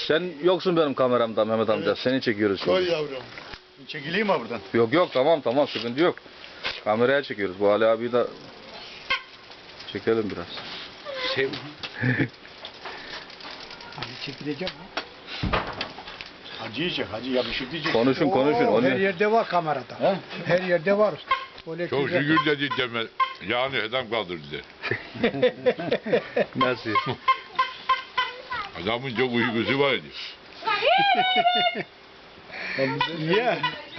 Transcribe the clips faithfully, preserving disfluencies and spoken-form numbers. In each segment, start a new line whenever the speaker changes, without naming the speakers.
Sen yoksun benim kameramda Mehmet amca. Evet. Seni çekiyoruz şimdi.
Koy yavrum.
Çekileyim mi buradan?
Yok yok tamam tamam sıkıntı yok. Kameraya çekiyoruz. Bu Ali abiyi de çekelim biraz.
Şey,
Abi çekileceğim ha.
Hacı yiyecek, hacı yakışır diyecek.
Konuşun konuşun.
Oo,
Onu...
her yerde var kamerada.
He?
Her yerde var. Böyle
çok
güzel.
şükür dedi deme. Yani adam kaldırdı.
Nasıl?
Adamın çok uykusu vardı.
Niye?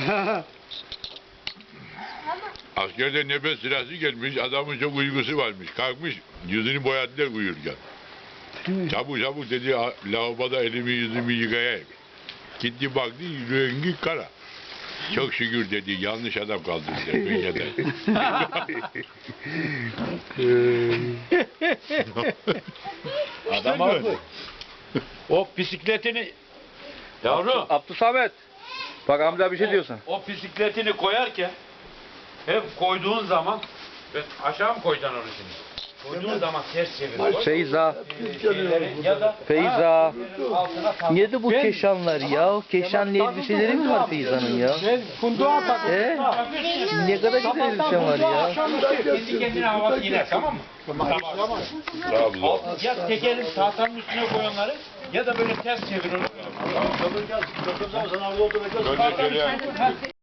Askerde nefes sırası gelmiş, adamın çok uykusu varmış. Kalkmış, yüzünü boyadılar uyurken. Çabuk çabuk dedi, lavaboda elimi yüzümü yıkayayım. Gitti baktı, rengi kara. Çok şükür dedi, yanlış adam kaldırdılar dünyada.
Adam haklı. O bisikletini yavrum
Abdüsamet. Bak amca bir şey diyorsun.
o bisikletini koyarken hep koyduğun zaman ben aşağı mı koyacaksın onu şimdi? Koyduğun zaman ters çevir. koy.
Feyza.
Ee, şeyleri ya da
Feyza.
altına tak.
Nerede bu keşanlar ya? Keşanlı elbiseleri mi var Feyza'nın ya?
Ben kunduğa bak.
He? Ne kadar güzel elbise var ya.
Kendi kendine havası iner tamam mı?
Trabzon.
Ya tekerin tahtanın üstüne koyanları ya da böyle ters çevir onu.
Ben de söyleyeyim.